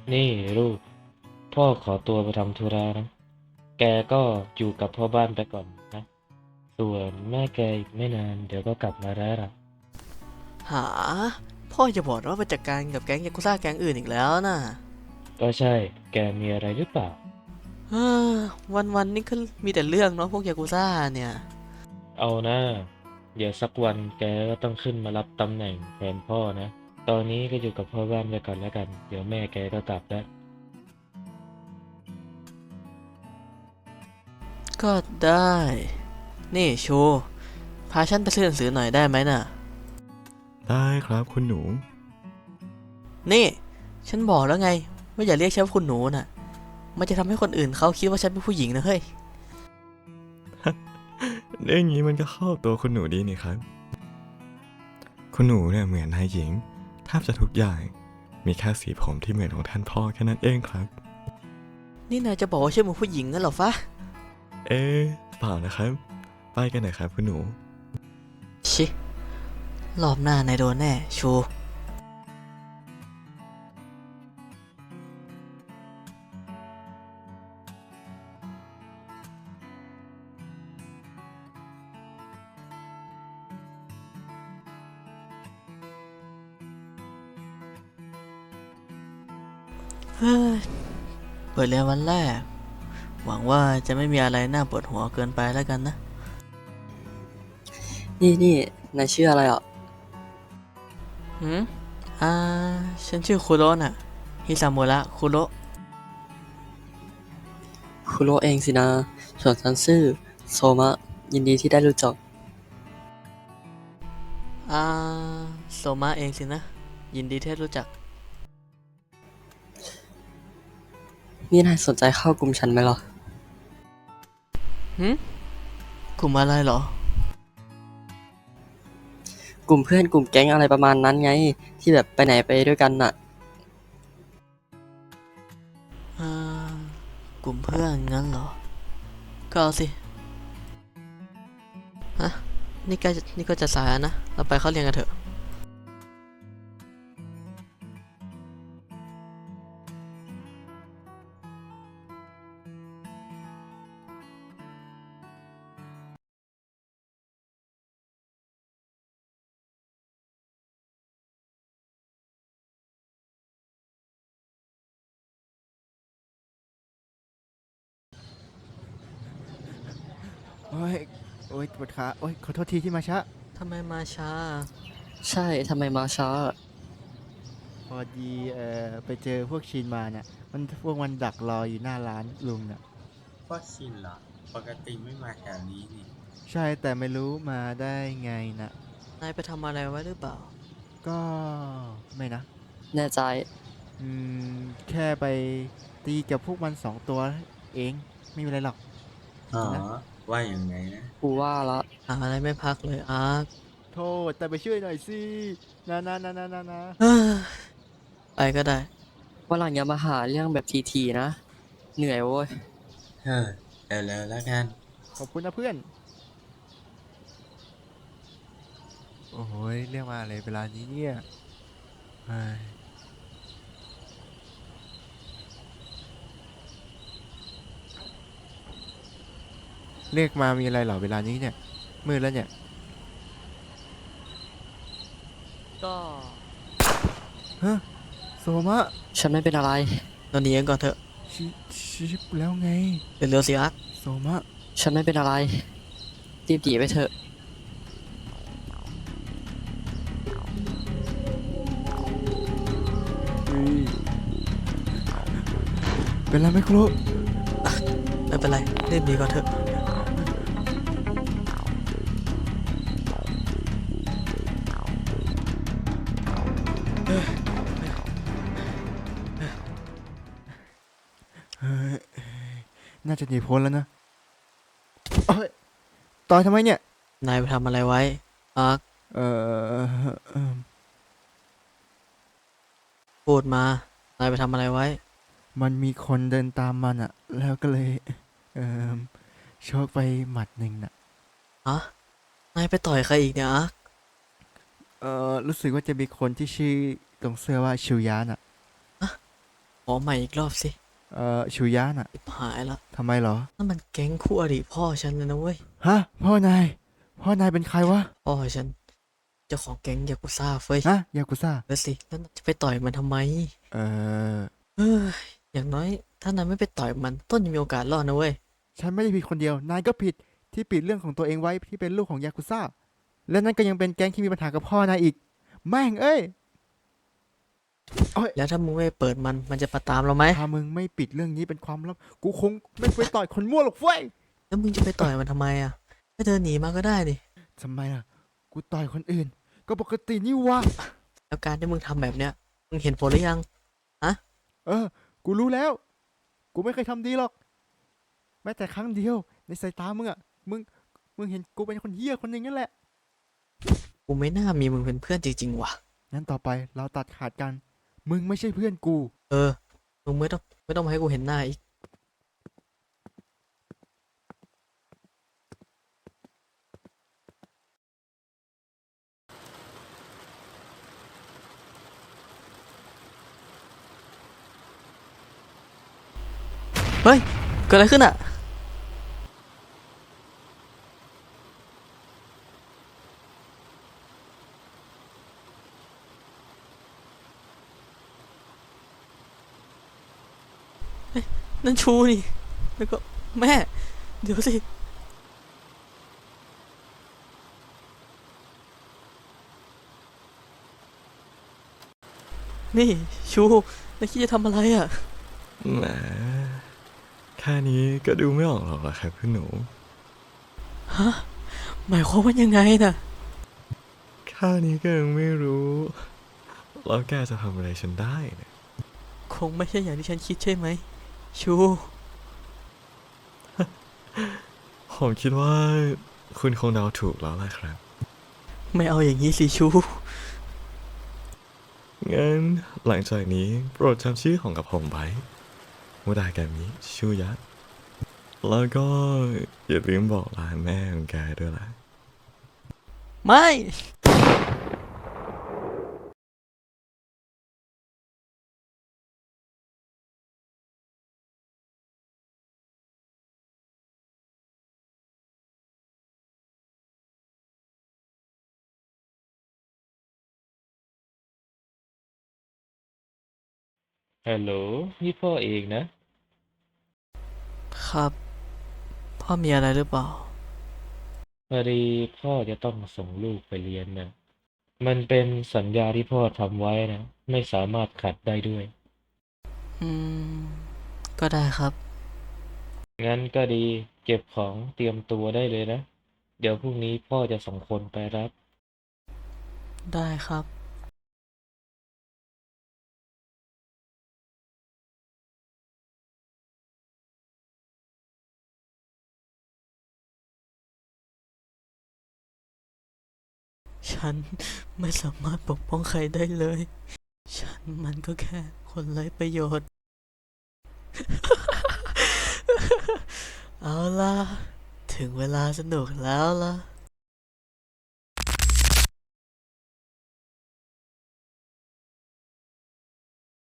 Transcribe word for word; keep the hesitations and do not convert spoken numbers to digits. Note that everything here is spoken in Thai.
นี่ลูกพ่อขอตัวไปทำธุระนะแกก็อยู่กับพ่อบ้านไปก่อนนะส่วนแม่แกอีกไม่นานเดี๋ยวก็กลับมาแล้วล่ะหาพ่อจะบอกว่าไปจัดการกับแก๊งยากุซ่าแก๊งอื่นอีกแล้วนะก็ใช่แกมีอะไรหรือเปล่าเฮ้อวันวันๆนี่ก็มีแต่เรื่องเนาะพวกยากุซ่าเนี่ยเอานะเดี๋ยวสักวันแกก็ต้องขึ้นมารับตำแหน่งแทนพ่อนะตอนนี้ก็อยู่กับพ่อบ้านไปก่อนแล้วกันเดี๋ยวแม่แกก็กลับแล้วก็ได้นี่ชูพาฉันไปซื้อหนังสือหน่อยได้ไหมน่ะได้ครับคุณหนูนี่ฉันบอกแล้วไงว่าอย่าเรียกฉันว่าคุณหนูน่ะมันจะทำให้คนอื่นเขาคิดว่าฉันเป็นผู้หญิงนะเฮ้ยเรื่องนี้มันก็เข้าตัวคุณหนูดีนี่ครับ คุณหนูเนี่ยเหมือนนายหญิงแทบจะทุกอย่างมีแค่สีผมที่เหมือนของท่านพ่อแค่นั้นเองครับนี่นายจะบอกว่าฉันเป็นผู้หญิงงั้นเหรอฟะเอ๊ะเปล่านะครับไปกันหน่อยครับคุณหนูชิรอบหน้านายโดนแน่ชูเฮ้ยเปิดเรียนวันแรกหวังว่าจะไม่มีอะไรน่าปวดหัวเกินไปแล้วกันนะนี่นี่นายชื่ออะไรอ่ะหืมอ่าฉันชื่อคุโระน่ะฮิซามุระคุโระคุโรเองสินะ ส่วนฉันชื่อโซมะ ยินดีที่ได้รู้จักอ่าโซมะเองสินะ ยินดีที่ได้รู้จักนี่นายสนใจเข้ากลุ่มฉันไหมล่ะหืมกลุ่มอะไรเหรอกลุ่มเพื่อนกลุ่มแก๊งอะไรประมาณนั้นไง ที่แบบไปไหนไปด้วยกันน่ะอ่ากลุ่มเพื่อนงั้นเหรอ ก็เอาสิฮะนี่ก็นี่ก็จะสายแล้วนะ เราไปเข้าเรียนกันเถอะโอ้ยโอ้ยปวดขาโอ้ยขอโทษทีที่มาช้าทำไมมาช้าใช่ทำไมมาช้าพอดีเอ่อไปเจอพวกชินมาเนี่ยมันพวกมันดักรออยู่หน้าร้านลุงน่ะพวกชินเหรอ ปกติไม่มาแถวนี้นี่ใช่แต่ไม่รู้มาได้ไงนะนายไปทำอะไรไว้หรือเปล่าก็ไม่นะแน่ใจอืมแค่ไปตีกับพวกมันสองตัวเองไม่มีอะไรหรอกอ๋อนะว่าอย่างไงนะกูว่าละหาอะไรไม่พักเลยอาร์คโทษแต่ไปช่วยหน่อยสินะนะนะนะนะนะเฮ้ยไปก็ได้วันหลังอย่ามาหาเรื่องแบบทีๆนะ เหนื่อยโว้ยเฮ้อเร็วๆแล้วกันขอบคุณนะเพื่อนโอ้ยเรียกมาอะไรเวลานี้เนี่ยเฮ้ยเรียกมามีอะไรเหรอเวลานี้เนี่ยมืดแล้วเนี่ยก็ฮะโซมะฉันไม่เป็นอะไรเราหนีกันก่อนเถอะชิชิปแล้วไงเร็วๆสิอาร์คโซมะฉันไม่เป็นอะไร รีบหนีไปเถอะเฮ้ยเป็นไรไหมครูไม่เป็นไรรีบหนีก่อนเถอะเฮ้ยน่าจะหนีพ้นแล้วนะเอ้ยต่อยทำไมเนี่ยนายไปทำอะไรไว้อาร์คเอ่อเอิ่มพูดมา นายไปทำอะไรไว้มันมีคนเดินตามมันอะแล้วก็เลยเอ่อโชกไปหมัดหนึ่งน่ะฮะ นายไปต่อยใครอีกเนี่ยอาร์คเอ่อรู้สึกว่าจะมีคนที่ชื่อตรงเสื้อว่าชิวยาน่ะขอใหม่อีกรอบสิเอ่อชูยะน่ะหายละทำไมเหรอนั่นมันแก๊งคู่อริพ่อฉันเลยนะเว้ยฮะ พ่อนาย พ่อนายเป็นใครวะพ่อฉันเจ้าของแก๊งยากุซ่าเฟ้ยฮะ ยากุซ่าแล้วสิแล้วนายจะไปต่อยมันทำไมเอ่อเอ้ยอย่างน้อยถ้านายไม่ไปต่อยมันต้นยังมีโอกาสรอดนะเว้ยฉันไม่ได้ผิดคนเดียว นายก็ผิดที่ปิดเรื่องของตัวเองไว้ที่เป็นลูกของยากุซ่า และนั่นก็ยังเป็นแก๊งที่มีปัญหากับพ่อนายอีก แม่งเอ้ยแล้วถ้ามึงไม่เปิดมันมันจะมาตามเราไหมถ้ามึงไม่ปิดเรื่องนี้เป็นความลับ กูคงไม่ไปต่อยคนมั่วหรอกเฟ้ยแล้วมึงจะไปต่อยมันทำไมอ่ะให้เดินหนีมาก็ได้ดิทำไมล่ะ กูต่อยคนอื่น ก็ปกตินี่วะแล้วการที่มึงทำแบบเนี้ยมึงเห็นผลหรือยังเออ กูรู้แล้ว กูไม่เคยทำดีหรอก แม้แต่ครั้งเดียว ในสายตามึงอะมึง มึงเห็นกูเป็นคนเหี้ยคนหนึ่งนั่นแหละกูไม่น่ามีมึงเป็นเพื่อนจริงๆว่ะงั้นต่อไปเราตัดขาดกัน มึงไม่ใช่เพื่อนกูเออ มึงไม่ต้องไม่ต้องมาให้กูเห็นหน้าอีก เฮ้ย เกิดอะไรขึ้นอ่ะ นั่นชูนี่ แล้วก็แม่ เดี๋ยวสิ นี่ชูนายคิดจะทำอะไรอ่ะแหมแค่นี้ก็ดูไม่ออกหรอกเหรอครับคุณหนูหมายความว่ายังไงน่ะแค่นี้ก็ยังไม่รู้ แล้วแกจะทำอะไรฉันได้เนี่ยคงไม่ใช่อย่างที่ฉันคิดใช่ไหม ชูผมคิดว่าคุณคงเดาถูกแล้วล่ะครับไม่เอาอย่างนี้สิชูงั้นหลังจากนี้โปรดจำชื่อของกับผมไว้มุดากามิชูยะ แล้วก็อย่าลืมบอกลาแม่ของแกด้วยล่ะไม่ฮัลโหลนี่พ่อเองนะครับ พ่อมีอะไรหรือเปล่าพอดีพ่อจะต้องส่งลูกไปเรียนนะมันเป็นสัญญาที่พ่อทำไว้นะ ไม่สามารถขัดได้ด้วยอืม ก็ได้ครับงั้นก็ดี เก็บของเตรียมตัวได้เลยนะ เดี๋ยวพรุ่งนี้พ่อจะส่งคนไปรับได้ครับ ฉันไม่สามารถปกป้องใครได้เลย ฉันมันก็แค่คนไร้ประโยชน์ เอาล่ะ ถึงเวลาสนุกแล้วล่ะ